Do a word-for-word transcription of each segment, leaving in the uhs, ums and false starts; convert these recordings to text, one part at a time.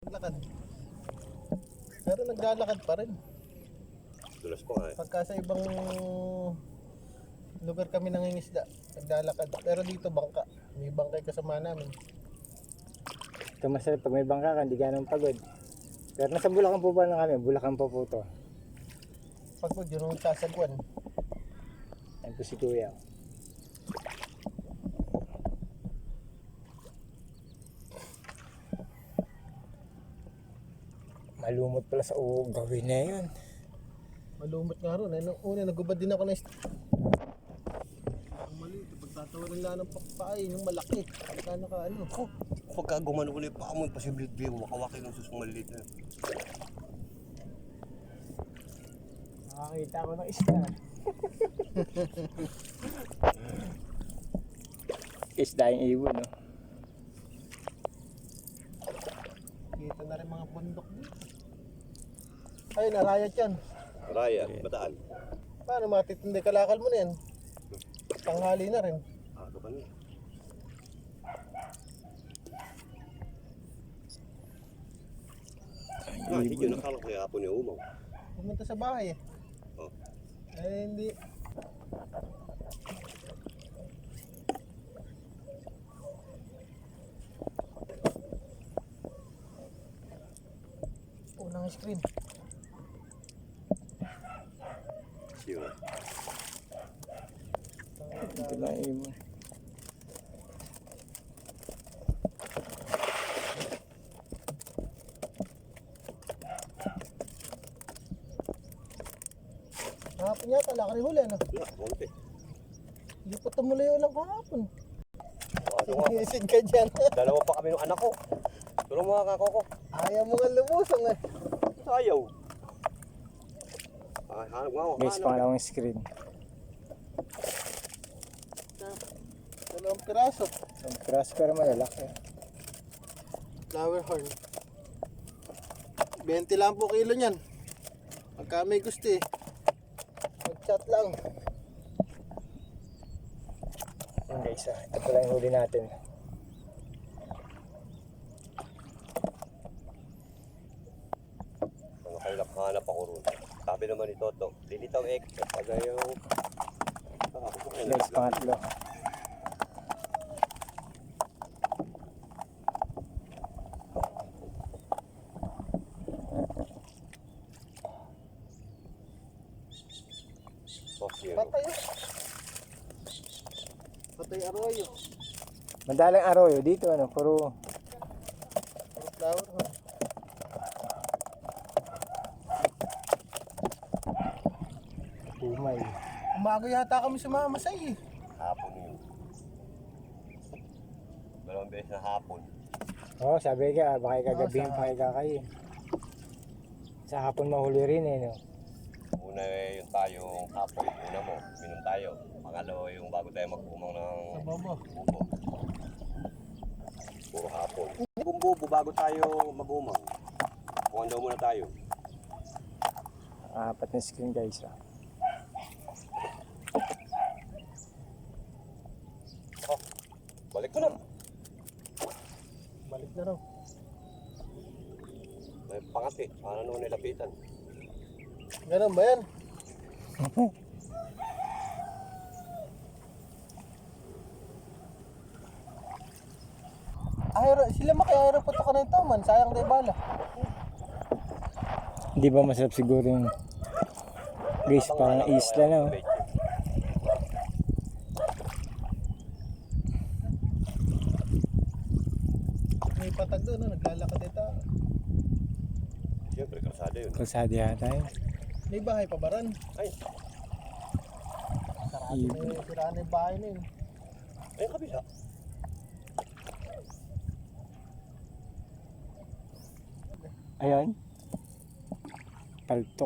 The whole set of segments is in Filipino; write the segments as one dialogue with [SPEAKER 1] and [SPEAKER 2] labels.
[SPEAKER 1] Lakad. Pero naglalakad pa rin.
[SPEAKER 2] Dulas ko nga eh.
[SPEAKER 1] Pagka sa ibang lugar kami nangingisda, naglalakad. Pero dito bangka. May bangkay kasama namin.
[SPEAKER 3] Ito masarap pag may bangka ka, hindi ganun pagod. Pero nasa Bulacan po ba na kami? Bulacan po po to.
[SPEAKER 1] Pagod yun yung sasagwan.
[SPEAKER 3] Yan po si Kuya. Malumot pala sa uog. Gawin na yun.
[SPEAKER 1] Malumot nga ron. Eh, nung una, nagubad din ako na ist- ang maliit. Pagtatawanan lang ng pakpain, yung malaki. Pagkano ka ano.
[SPEAKER 2] Ako, pagka gumano ko na yung paa mo, posible din wakawaki ng susong maliit na.
[SPEAKER 3] Nakakita ko ng isda. Isda yung ibon, no?
[SPEAKER 1] Kita na rin mga bundok dito. Ay, narayat yan.
[SPEAKER 2] Raya, bataan.
[SPEAKER 1] Paano matitindi kalakal mo na yan? Tanghali na rin.
[SPEAKER 2] Ako pa niya. Ah, hindi yun. Nakala ko kaya hapon yung umaw.
[SPEAKER 1] Pumunta sa bahay eh.
[SPEAKER 2] Oh.
[SPEAKER 1] Eh, hindi. Unang screen.
[SPEAKER 2] Siyo.
[SPEAKER 3] Ito lang yung ibon.
[SPEAKER 1] Kahapon yata, laki rin huli ano?
[SPEAKER 2] Wala, konti.
[SPEAKER 1] Hindi pa tumuloy ulang kahapon.
[SPEAKER 2] Ano nga,
[SPEAKER 1] Sinisig ka dyan.
[SPEAKER 2] dalawa pa kami ng anak ko. Tulong mga kako ko.
[SPEAKER 1] Ayaw mo nga lumusong eh.
[SPEAKER 2] Ayaw. Ah, hanap nga ako.
[SPEAKER 3] Guys, pangalawang screen.
[SPEAKER 1] Dalawang piraso.
[SPEAKER 3] Ang crush pero malalaki.
[SPEAKER 1] Flower horn. twenty lang po kilo niyan. Pagka may gusto eh. Mag-chat lang.
[SPEAKER 3] Yun guys, ah. Ito pala yung huli natin.
[SPEAKER 2] Mga kailap hanap ako ron. Sabi naman ni Toto, lilitaw extra. Pag yung... Ah, ako kayo
[SPEAKER 3] Guys, pangatlo.
[SPEAKER 2] Okay,
[SPEAKER 1] Patay oh. Patay arroyo.
[SPEAKER 3] Madalang arroyo dito, ano, puro
[SPEAKER 1] Flower horn.
[SPEAKER 3] umay.
[SPEAKER 1] Umago yata kami sa mga masay eh.
[SPEAKER 2] hapon yun. Dalawang beses na hapon.
[SPEAKER 3] Oo, oh, sabi ka, baka kagabihin
[SPEAKER 1] sa-
[SPEAKER 3] pa kayo kakayo. Sa hapon mahuli rin eh, no?
[SPEAKER 2] Una eh, yung tayong hapon. Una mo, minum tayo. Pangalawa yung bago tayo mag-umang ng
[SPEAKER 1] Sa bobo.
[SPEAKER 2] bubo. Puro hapon. Kung bubo, bago tayo mag-umang. Kuhan daw muna tayo.
[SPEAKER 3] Apat na screen guys, ah.
[SPEAKER 2] Oh, balik ko na.
[SPEAKER 1] Balik na raw.
[SPEAKER 2] May pangati. Paano naman nilapitan?
[SPEAKER 1] Ganun ba yan? Ayro, sila maki-ayro po to ka na ito man. Sayang tayo bala.
[SPEAKER 3] Hindi ba masarap siguro yung guys, parang isla na, oh.
[SPEAKER 1] May patag doon, no? Naglalakad ito.
[SPEAKER 2] Siyempre, kalsada yun.
[SPEAKER 3] Kalsada yata yun.
[SPEAKER 1] May bahay pa baran.
[SPEAKER 2] Ay,
[SPEAKER 1] Sarado na yung siraan na yung bahay na yun.
[SPEAKER 2] ay kabila.
[SPEAKER 3] Ayan. Paltok.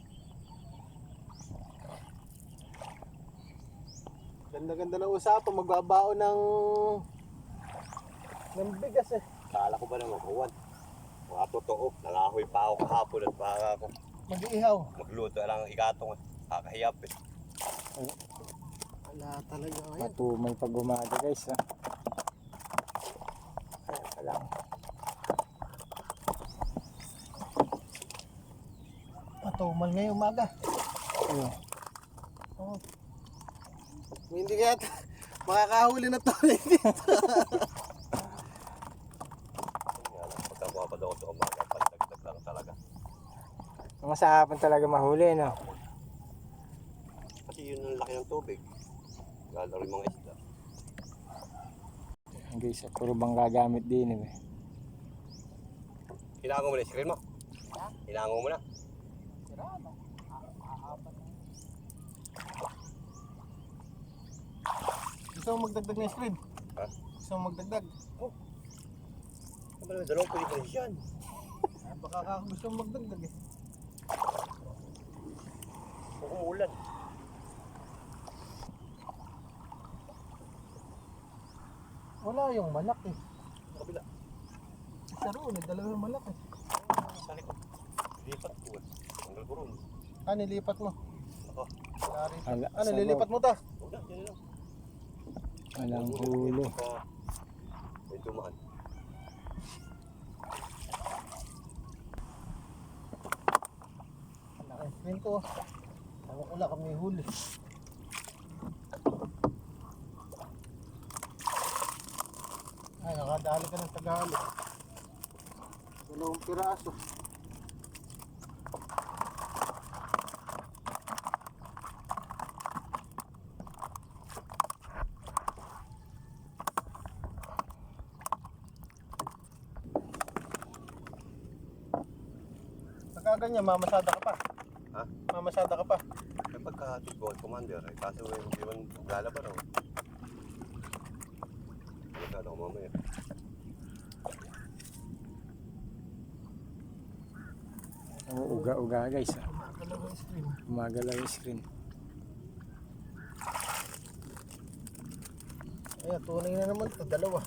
[SPEAKER 1] Ganda-ganda ng usapan. Magbabao ng ng bigas eh.
[SPEAKER 2] Kala ko ba naman, kuwan. Mga totoo. Nangahoy pa ako kahapon at baka ako
[SPEAKER 1] Mag-iihaw.
[SPEAKER 2] magluto lang ang ikatong. Kakahiyap eh.
[SPEAKER 1] Wala talaga ngayon.
[SPEAKER 3] Matumay pag umaga guys, ah. Ayan pa lang.
[SPEAKER 1] tumal ngayong umaga.
[SPEAKER 3] Oh.
[SPEAKER 1] Oh. Hindi kaya t- makakahuli na to dito.
[SPEAKER 2] Pagka mapapad ako sa umaga, pagdagdag lang talaga.
[SPEAKER 3] Mga sa hapon talaga mahuli, no?
[SPEAKER 2] Kasi yun ang laki ng tubig. Galaw yung mga isda.
[SPEAKER 3] Guys, puro bang gagamit din eh.
[SPEAKER 2] Hinango mo na yung screen mo? Hinango mo na?
[SPEAKER 1] Gusto mo magdagdag ng screen?
[SPEAKER 2] Ha?
[SPEAKER 1] Gusto mo magdagdag?
[SPEAKER 2] Oh. Ano ba naman, dalawang pwede pa yan.
[SPEAKER 1] Ah, baka ka gusto mo magdagdag eh.
[SPEAKER 2] Kung umulan.
[SPEAKER 1] Wala yung malaki.
[SPEAKER 2] Sa kabila.
[SPEAKER 1] Sa roon, eh, dalawa yung malaki.
[SPEAKER 2] Sa likod. Lipat ko. Tanggal ko ron.
[SPEAKER 1] Ah, nilipat mo.
[SPEAKER 2] Ako.
[SPEAKER 1] Wala rin.
[SPEAKER 3] Ala,
[SPEAKER 1] Ano,
[SPEAKER 3] sabaw.
[SPEAKER 1] lilipat mo ta?
[SPEAKER 2] Huwag na, yan lang.
[SPEAKER 3] Walang huli.
[SPEAKER 2] Baka may dumaan.
[SPEAKER 1] Wala yung screen ko. Ako wala kami huli. Ay, nakadali ka ng Tagalog. Dalawang piraso. Pagka ganyan, mamasada ka pa.
[SPEAKER 2] Ha?
[SPEAKER 1] Mamasada ka pa.
[SPEAKER 2] Kapag kahatid ko ang commander, eh, kaso eh, hindi man lalaban ako. Magkano ako mamaya.
[SPEAKER 3] Oo, uga-uga guys. Ah.
[SPEAKER 1] Dalawa yung screen.
[SPEAKER 3] Gumagalaw yung screen.
[SPEAKER 1] Ayan, tunay na naman ito, dalawa.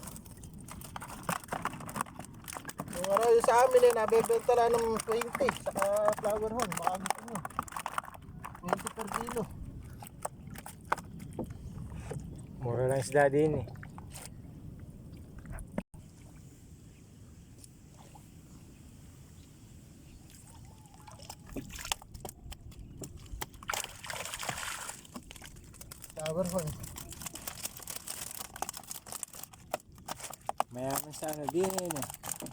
[SPEAKER 1] Yung araw yung sa amin eh, nabebenta lang ng twenty saka flower horn, baka gusto nyo. twenty per kilo.
[SPEAKER 3] Mura lang isda din eh.
[SPEAKER 1] Flower horn.
[SPEAKER 3] Mayaman sa ano din eh.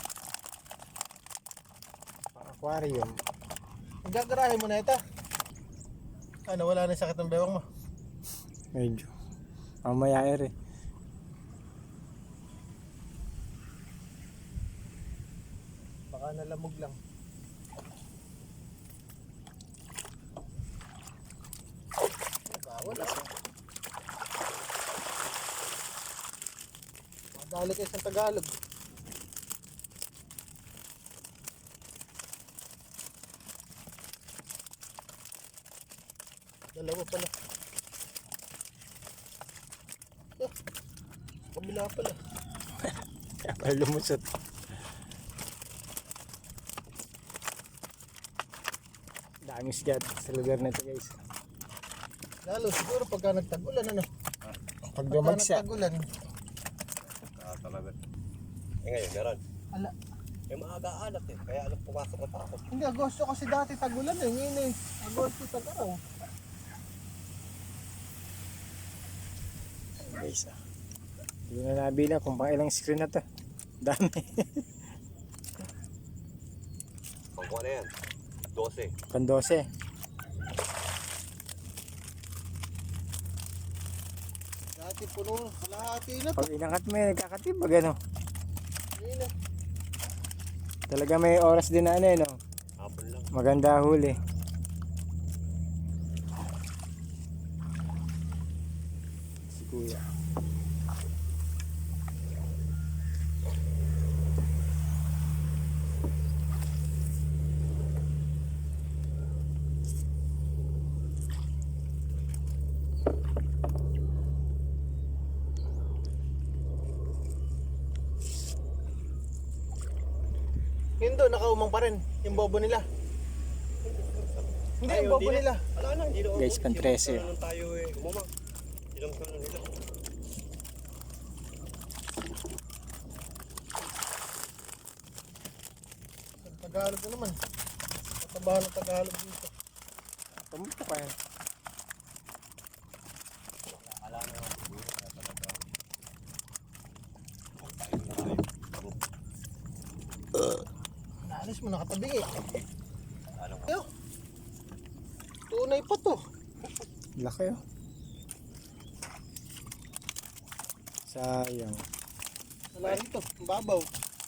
[SPEAKER 3] Pang aquarium.
[SPEAKER 1] Gagarahin mo na ito. Ano, wala na sakit ng bewang mo.
[SPEAKER 3] Medyo. Mamaya eh.
[SPEAKER 1] Baka nalamog lang. Bawal ah. Madali kayo sa Tagalog. Dalawa pala. Ah, kabila pala.
[SPEAKER 3] Kaya pala lumusot. Daming isda sa lugar na ito guys.
[SPEAKER 1] Lalo siguro pagka nagtag-ulan ano.
[SPEAKER 3] Pag
[SPEAKER 1] Pagka
[SPEAKER 3] dumagsa.
[SPEAKER 1] nagtag-ulan.
[SPEAKER 2] Ah, talaga. Eh ngayon, meron.
[SPEAKER 1] Ala,
[SPEAKER 2] Eh maaga alat eh, kaya alam pumasok at ako.
[SPEAKER 1] hindi Agosto kasi dati tag-ulan eh. Ngayon eh. Agosto tag-araw.
[SPEAKER 3] Guys ah. Hindi na nabilang kung pang ilang screen na to. Dami.
[SPEAKER 2] Pangkuha na yan. twelve.
[SPEAKER 3] Pang dose.
[SPEAKER 1] Dati puno, kalahati na to.
[SPEAKER 3] Pag inangat mo eh, nagkakatibag ano.
[SPEAKER 1] Ngayon na.
[SPEAKER 3] Talaga may oras din na ano eh no.
[SPEAKER 2] Hapon lang.
[SPEAKER 3] Maganda huli. Si kuya.
[SPEAKER 1] Yun doon, nakaumang pa rin. Yung bobo nila. Hindi,
[SPEAKER 2] Ay,
[SPEAKER 1] yung bobo
[SPEAKER 2] hindi
[SPEAKER 1] nila.
[SPEAKER 2] Wala na, hindi na.
[SPEAKER 3] Guys, pan trese.
[SPEAKER 2] Hindi lang tayo eh, umama. Hindi lang ano nila.
[SPEAKER 1] Tagalog na naman. Tabahan ng Tagalog dito.
[SPEAKER 3] Pumunta pa yan.
[SPEAKER 2] Alam mo nga siguro na talaga.
[SPEAKER 1] Naalis mo, nakatabi eh.
[SPEAKER 2] Ano nga?
[SPEAKER 1] Ayo. Tunay pa to.
[SPEAKER 3] Laki oh. Sayang.
[SPEAKER 1] Wala rito, ang babaw.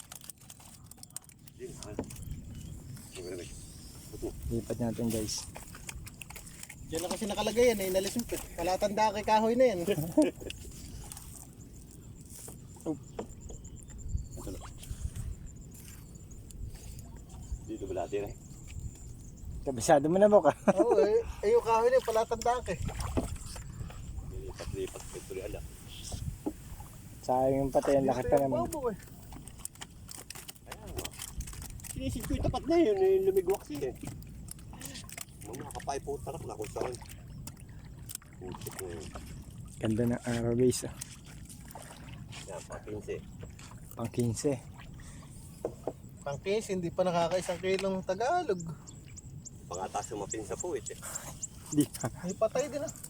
[SPEAKER 2] Hindi naman. Sige, sige.
[SPEAKER 3] Lipat natin guys.
[SPEAKER 1] Diyan na kasi nakalagay yan eh, inalis mo. Palatanda kay kahoy na yan.
[SPEAKER 2] Dito ba natin eh?
[SPEAKER 3] Kabisado mo na mo ka.
[SPEAKER 1] Oo eh, eh yung kahoy na yun, palatanda ka eh.
[SPEAKER 2] Lipat-lipat. Ito rin ala.
[SPEAKER 3] Sayang yung patay. Ang laki pa naman.
[SPEAKER 1] Babaw eh.
[SPEAKER 2] Ayan nga. Sinisip ko yung tapat na yun. Yung lumigwak siya eh. Mga kapay po tarap na kung saan. Putik na yun.
[SPEAKER 3] Ganda ng araw guys oh.
[SPEAKER 2] Yan, pakinsi.
[SPEAKER 3] Pang quince.
[SPEAKER 1] Pangkis, hindi pa nakakaisang kilong Tagalog.
[SPEAKER 2] Pangatas yung mapinsa po eh.
[SPEAKER 3] Di pa.
[SPEAKER 1] May patay din ah.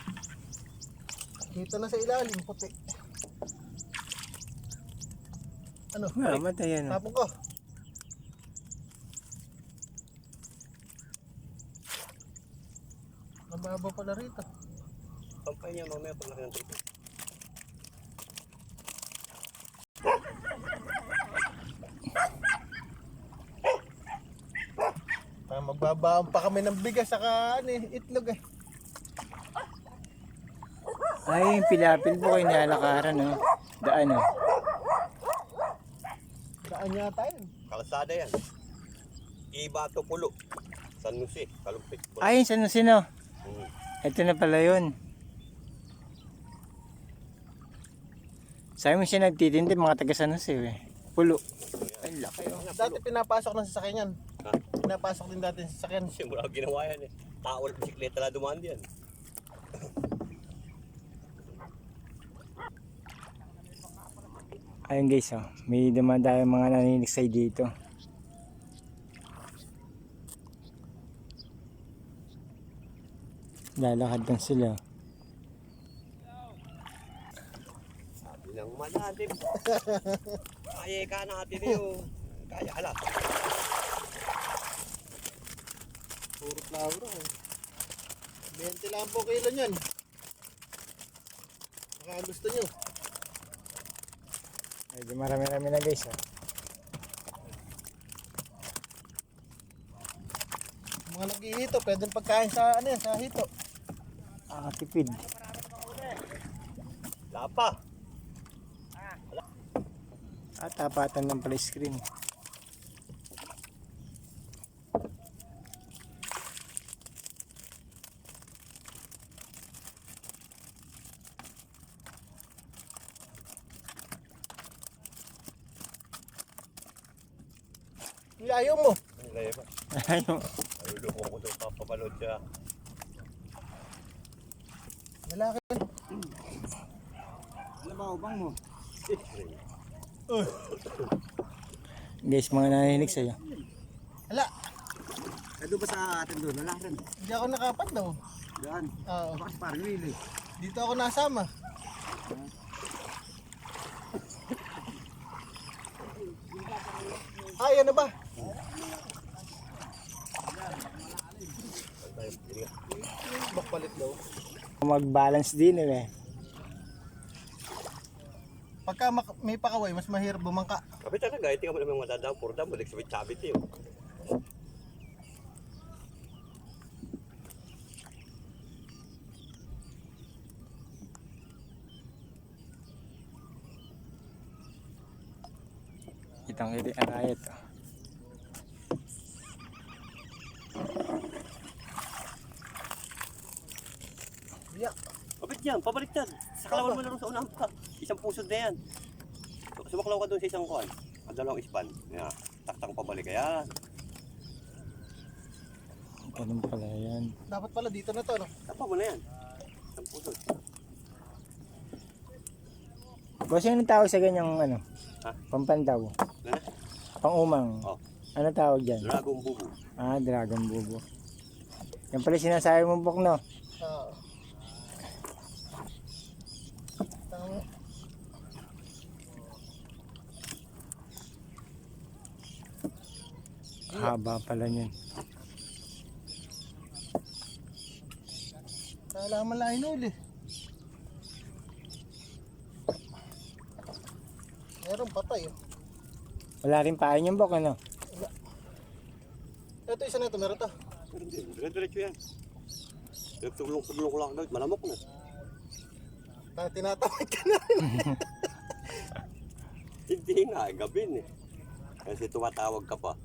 [SPEAKER 1] Kita na sa ilalim, puti. Ano?
[SPEAKER 3] Ah, matay yan oh.
[SPEAKER 1] Tapon ko. Mababa pala rito.
[SPEAKER 2] Pampay niya mamaya pag laki ng trip.
[SPEAKER 1] Ah, magbabaon pa kami ng bigas saka ano, eh, itlog eh.
[SPEAKER 3] Ay, yung pilapil po kayo nilalakaran oh. Daan oh.
[SPEAKER 1] Daan yata yun.
[SPEAKER 2] Kalsada yan. Ibato Pulo. San Jose, Kalumpit.
[SPEAKER 3] Ay, sino sino?
[SPEAKER 2] Hmm.
[SPEAKER 3] Ito na pala yun. Sabi mo siya nagtitinda, mga taga San Jose eh. Pulo. Ay, laki oh.
[SPEAKER 1] Dati pinapasok ng sasakyan yan.
[SPEAKER 2] Ha?
[SPEAKER 1] Pinapasok din dati ng sasakyan.
[SPEAKER 2] Simula ginawa yan eh. Tao at bisikleta na dumaan diyan.
[SPEAKER 3] Ayun guys oh. May dumadaan mga naniniksay dito. Lalakad lang sila.
[SPEAKER 2] Sabi ng malalim. Kaya ka natin yun. Kaya ala.
[SPEAKER 1] Puro flower eh. twenty lang po kilo niyan. Baka gusto nyo.
[SPEAKER 3] Medyo marami-rami na guys oh.
[SPEAKER 1] Mga naghihito, pwedeng pagkain sa ano yan, sa hito.
[SPEAKER 3] Ah, tipid.
[SPEAKER 2] Lapa.
[SPEAKER 3] At tapatan ng pala screen.
[SPEAKER 1] Ayaw mo.
[SPEAKER 2] Ang laya ba?
[SPEAKER 3] Ayun.
[SPEAKER 2] Ayuloko ko doon papapanood siya.
[SPEAKER 1] Lalaki.
[SPEAKER 3] Ano ba ubang mo? Guys, mga naniniksay oh.
[SPEAKER 1] Hala,
[SPEAKER 3] Ado ba sa atin doon? Wala rin.
[SPEAKER 1] hindi ako nakapat daw.
[SPEAKER 3] Diyan.
[SPEAKER 1] Oo.
[SPEAKER 3] Bakit parang lili?
[SPEAKER 1] Dito ako nasama. Ay, ano ba? Bakpalit daw.
[SPEAKER 3] Mag-balance din eh.
[SPEAKER 1] Pagka mak- may pakaway, mas mahirap bumangka.
[SPEAKER 2] Kapit talaga, ito ka mo naman matadang purda mo. Nagsabit-sabit yun.
[SPEAKER 3] Kitang kiti ang ayat oh.
[SPEAKER 1] Yeah.
[SPEAKER 2] Kapit yan, pabaliktad. Sa kalawan mo na rin sa unang pa. Isang pusod na yan. Sumaklaw ka doon sa isang kuhan. At dalawang ispan. Yan. Taktang pabalik. Ayan.
[SPEAKER 3] Ganun pala yan.
[SPEAKER 1] Dapat pala dito na to, no?
[SPEAKER 2] Tapa mo na yan. Isang pusod.
[SPEAKER 3] Boss, yung tawag sa ganyang ano?
[SPEAKER 2] Ha?
[SPEAKER 3] Pampandaw.
[SPEAKER 2] Ano na?
[SPEAKER 3] Pang-umang.
[SPEAKER 2] Oh.
[SPEAKER 3] Ano tawag dyan?
[SPEAKER 2] Dragon bubu.
[SPEAKER 3] Ah, dragon bubo. Yan pala sinasabi mo, Bok, no?
[SPEAKER 1] Oo. Tama.
[SPEAKER 3] Haba pala niyan.
[SPEAKER 1] Kala man lang hinuli. Meron patay oh.
[SPEAKER 3] Wala rin pain yung Bok, ano?
[SPEAKER 1] Ito isa na ito, meron to.
[SPEAKER 2] Pero hindi, dire-diretso yan. Nagtulong-tulong ko lang agad, malamok na.
[SPEAKER 1] Tayo tinatawag ka na.
[SPEAKER 2] Hindi nga, gabin eh. Kasi tumatawag ka pa.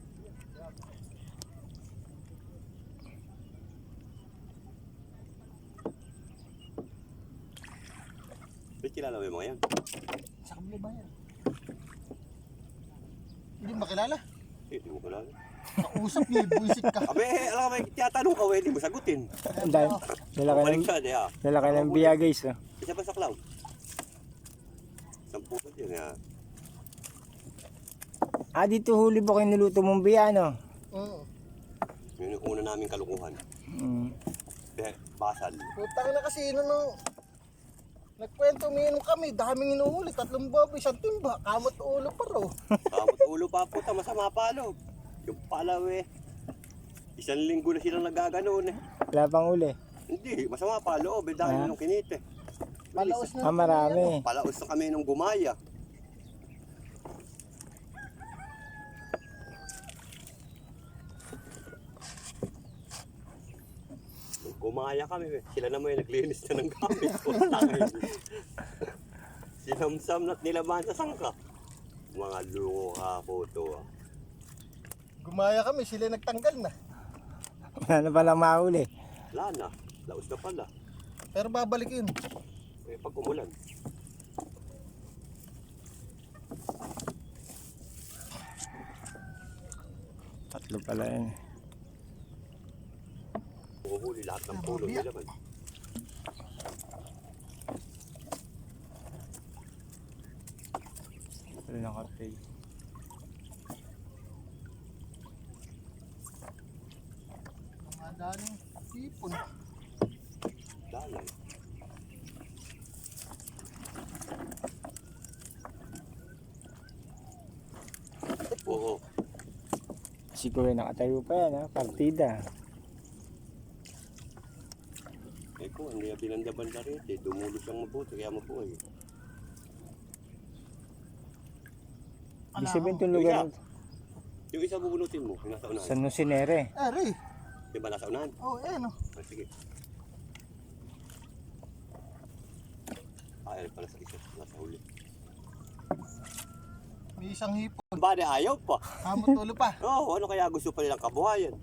[SPEAKER 2] Ba't kilala mo yung mga yan?
[SPEAKER 1] Sa kabila ba yan? Hindi mo makilala.
[SPEAKER 2] Eh, di mo kilala.
[SPEAKER 1] Kausap niyo, buisit ka.
[SPEAKER 2] Abe, alam ka, may tiyatanong ka, hindi mo sagutin.
[SPEAKER 3] Dahil, dala ka ng,
[SPEAKER 2] Baliktad eh ha.
[SPEAKER 3] dala ka ng biya, guys, oh.
[SPEAKER 2] Isa pa sa cloud. Sampu ka dyan ha.
[SPEAKER 3] Ah, dito huli, Bok, yung niluto mong biya, no?
[SPEAKER 1] Oo.
[SPEAKER 2] Yun yung una namin kalukuhan.
[SPEAKER 3] Mm.
[SPEAKER 2] Be, basal.
[SPEAKER 1] Putang na kasi yun ano. Nagkwento, umiinom kami, daming inuhuli, tatlong baboy, isang timba, kamot ulo pa raw.
[SPEAKER 2] Kamot ulo pa puta, masama palo. Yung palaw eh. Isang linggo na silang nagaganoon eh.
[SPEAKER 3] Wala pang uli.
[SPEAKER 2] Hindi, masama palo, oh, dahil
[SPEAKER 3] Ah.
[SPEAKER 2] nung kinite.
[SPEAKER 1] Palaos na.
[SPEAKER 3] Ah, marami.
[SPEAKER 2] Palaos na kami nung gumaya. Nung gumaya kami eh. Sila naman yung naglinis na ng gamit. Sinamsam na't nilaban sa sangka. Mga lungo ka po to ah.
[SPEAKER 1] Gumaya kami, sila nagtanggal na.
[SPEAKER 3] Wala na palang mahuli.
[SPEAKER 2] Wala na, laos na pala.
[SPEAKER 1] Pero babalik yun.
[SPEAKER 2] Eh, pag umulan.
[SPEAKER 3] Tatlo pala yan.
[SPEAKER 2] Uhuli lahat ng pulo
[SPEAKER 1] Babiya.
[SPEAKER 2] nila man.
[SPEAKER 3] Wala na kape.
[SPEAKER 1] Mga daming tipon.
[SPEAKER 2] Dalan. Oo.
[SPEAKER 3] Siguro nakatayo pa yan, ha? Partida.
[SPEAKER 2] Eh ko, hindi yung binanda-banda rin. Eh. Dumulo siyang mabuti, kaya mabuhay.
[SPEAKER 3] Ibig sabihin itong lugar
[SPEAKER 2] Yung Yung isa bubunutin mo, yung nasa unahan.
[SPEAKER 3] sa Nusinere.
[SPEAKER 1] Eh, Ray.
[SPEAKER 2] Di ba nasa unahan?
[SPEAKER 1] Oh, eh, no.
[SPEAKER 2] Ah, sige. Ah, eh, pala sa isa. Nasa huli.
[SPEAKER 1] May isang hipon.
[SPEAKER 2] Ba, di ayaw pa.
[SPEAKER 1] Kamot ulo pa.
[SPEAKER 2] Oo, oh, ano kaya gusto pa nilang kabuhayan?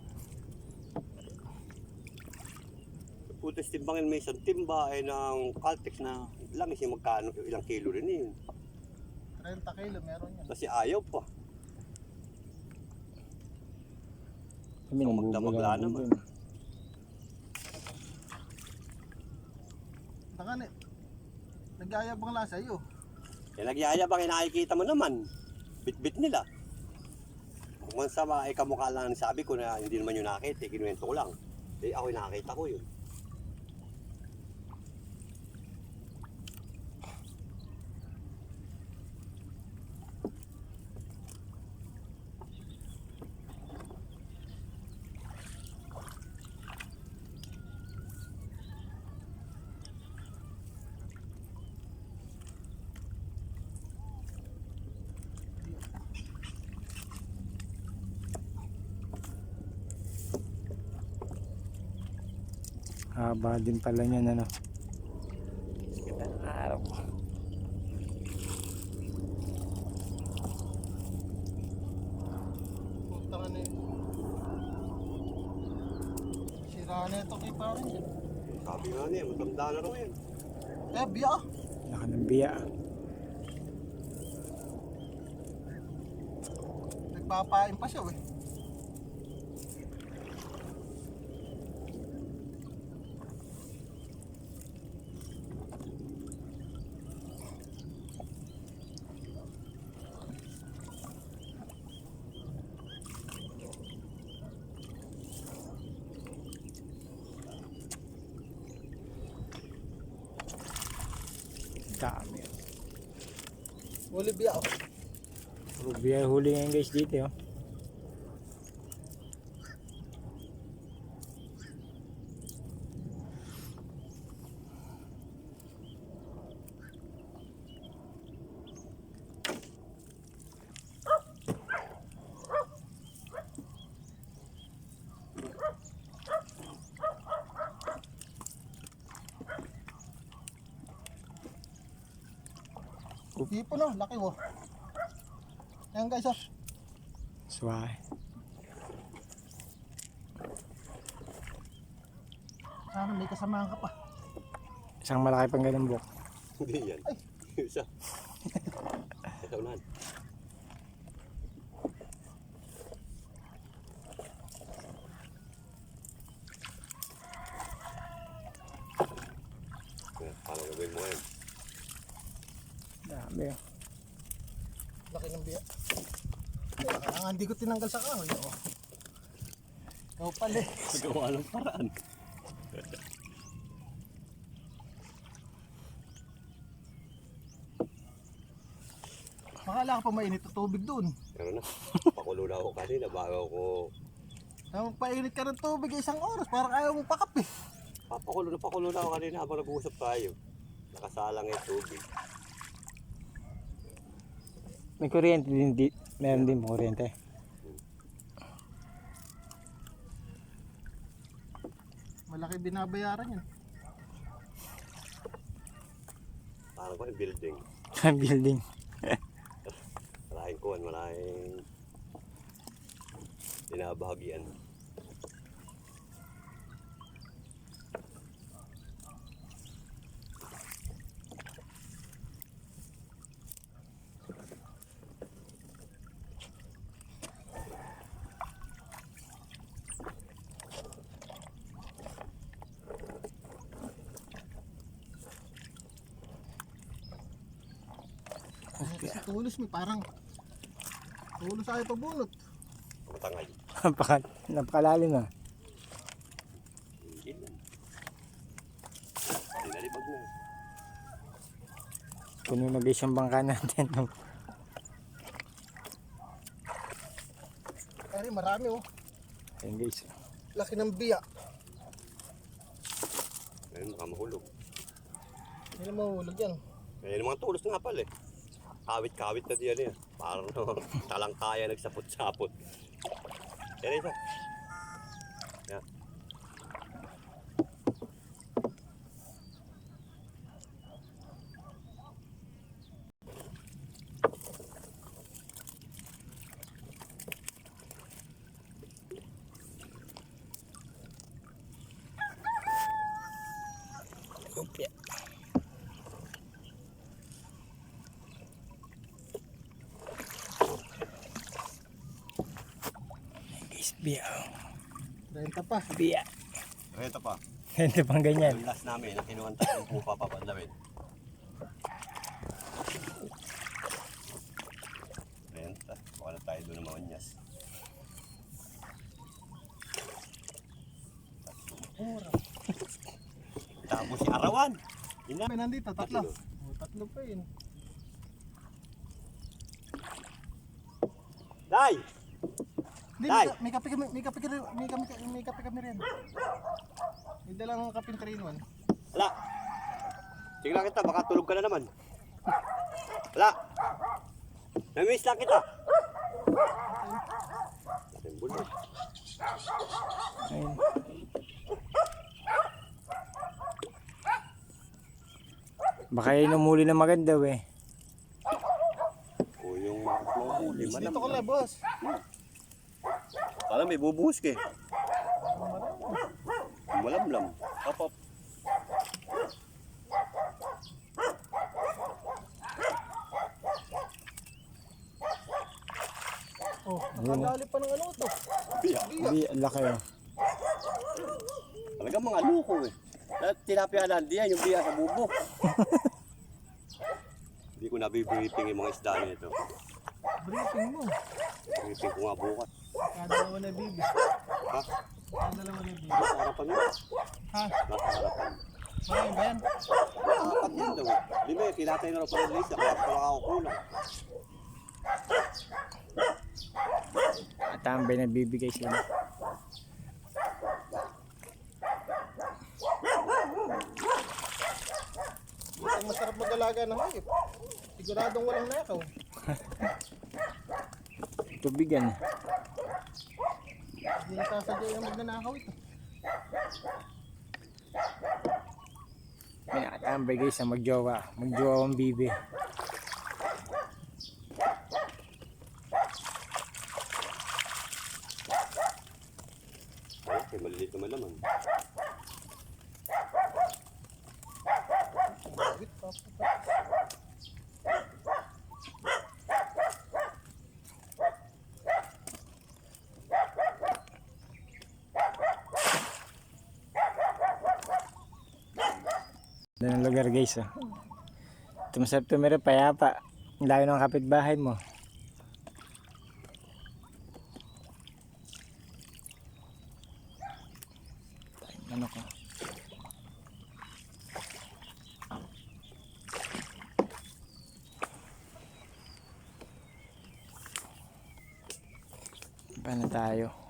[SPEAKER 2] Putas timbangin may isang timba ay ng Caltex na langis yung magkano, ilang kilo rin yun.
[SPEAKER 1] thirty kilo, meron yan.
[SPEAKER 2] Kasi ayaw pa.
[SPEAKER 3] Kami
[SPEAKER 2] Ang
[SPEAKER 3] nang
[SPEAKER 2] magdamagla naman.
[SPEAKER 3] dun.
[SPEAKER 1] Baka na, nag-aayabang lang sa'yo.
[SPEAKER 2] Eh, nagyayabang eh, nakikita mo naman. Bit-bit nila. Kung man sa mga eh, kamukha lang sabi ko na hindi naman yung nakita, eh, kinuwento ko lang. Eh, ako yung nakita ko yun.
[SPEAKER 3] Haba din pala niyan, ano. Araw.
[SPEAKER 1] Putang ano yun. Sira na ito kay parang yun.
[SPEAKER 2] Sabi nga niya, matanda na raw yan.
[SPEAKER 1] Eh, biya.
[SPEAKER 3] Laka ng biya.
[SPEAKER 1] Nagpapain pa siya, eh.
[SPEAKER 3] Dami.
[SPEAKER 1] Olivia, oh.
[SPEAKER 3] Rubiya huli ngayon guys dito. Oh.
[SPEAKER 1] Tipo no, laki mo. Ayan guys, oh.
[SPEAKER 3] Suway.
[SPEAKER 1] Sana may kasamahan ka pa.
[SPEAKER 3] Isang malaki pang ganun buhok.
[SPEAKER 2] Hindi yan. Isa. Ito unahan. Paano gagawin mo ngayon?
[SPEAKER 3] Dami. Oh.
[SPEAKER 1] Laki ng biya. Ang hindi ko tinanggal sa kahoy, oh. Ikaw pala eh.
[SPEAKER 2] Magawa ng paraan.
[SPEAKER 1] Makala ka pa mainit na tubig dun.
[SPEAKER 2] Pero na, pakulo na ako kanina bago ako...
[SPEAKER 1] Nang painit ka ng tubig isang oras, parang ayaw mong pakape.
[SPEAKER 2] Papakulo na pakulo na ako kanina habang nag-uusap tayo. Nakasalang yung tubig.
[SPEAKER 3] May kuryente din, di, meron din kuryente.
[SPEAKER 1] Malaki binabayaran yan.
[SPEAKER 2] Parang ko yung building.
[SPEAKER 3] Building.
[SPEAKER 2] Maraming kuwan, maraming binabahagian.
[SPEAKER 1] Okay. Kasi tulos mo, parang tulos ayaw pabunot.
[SPEAKER 2] Matangay.
[SPEAKER 3] Napaka, napakalalim ah.
[SPEAKER 2] Hindi lang. Dinalibag na.
[SPEAKER 3] Puno na guys yung bangka natin.
[SPEAKER 1] Ay, marami oh.
[SPEAKER 3] Ayun guys.
[SPEAKER 1] Laki ng biya.
[SPEAKER 2] Ngayon makamahulog.
[SPEAKER 1] Hindi na mahulog yan.
[SPEAKER 2] Ngayon mga tulos nga pala eh. Kawit-kawit na diyan eh. Parang talangkaya nagsapot-sapot. Yan isa. Yan.
[SPEAKER 3] Lumpia. Guys, biya.
[SPEAKER 1] Renta pa.
[SPEAKER 3] Biya.
[SPEAKER 2] Ito pa.
[SPEAKER 3] Ito pang ganyan.
[SPEAKER 2] Yung last namin, na kinuhan tayo ng pupa papadlawin. Renta. Baka na tayo doon ng mga nyas. Tapos si Arawan. Ina.
[SPEAKER 1] May nandito, tatlo.
[SPEAKER 2] Tatlo.
[SPEAKER 1] Oh, tatlo pa yun.
[SPEAKER 2] Day!
[SPEAKER 1] Hindi,
[SPEAKER 2] Tay!
[SPEAKER 1] may, ka- may kape kami, may kape kami, may kape, may kape kami rin. May dalang kape three in one.
[SPEAKER 2] Wala. Sige lang kita, baka tulog ka na naman. Wala. Namiss lang kita. Ating bulog.
[SPEAKER 3] Ayun. Baka yun umuli na maganda eh.
[SPEAKER 2] O yung mga huli,
[SPEAKER 1] Dito ko lang, boss.
[SPEAKER 2] Kala may bubuhos ka eh. Malamlam. Hop, hop.
[SPEAKER 1] Oh, nakadali pa ng ano to.
[SPEAKER 2] Biya.
[SPEAKER 3] Hindi, ang laki oh.
[SPEAKER 2] Talagang mga luko eh. Lahat tilapia lang diyan, yung biya sa bubo. Hindi ko nabibriefing yung mga isda nito.
[SPEAKER 1] Briefing mo.
[SPEAKER 2] Briefing ko nga bukas.
[SPEAKER 1] Kadalawa na bibi.
[SPEAKER 2] Ha?
[SPEAKER 1] Kadalawa na bibi.
[SPEAKER 2] Nasa harapan mo.
[SPEAKER 1] Ha?
[SPEAKER 2] Nasa harapan.
[SPEAKER 1] Marami ba yan?
[SPEAKER 2] Apat yan daw. Lima eh, kinatay na rin pala Lisa. Kaya pala ako kulang.
[SPEAKER 3] At tambay nagbibigay sila.
[SPEAKER 1] Ang masarap mag-alaga ng hayop. Siguradong walang nakaw.
[SPEAKER 3] Tubigan.
[SPEAKER 1] Hindi nasasadya yung magnanakaw ito.
[SPEAKER 3] May nakatambay guys sa magjowa. Magjowa ang bibi.
[SPEAKER 2] Ay, may maliliit naman naman.
[SPEAKER 1] Wait, papa.
[SPEAKER 3] Doon ang lugar guys. Oh. Ito masarap tumira, payapa. Ang layo ng kapitbahay mo. Ano ko? Paano tayo?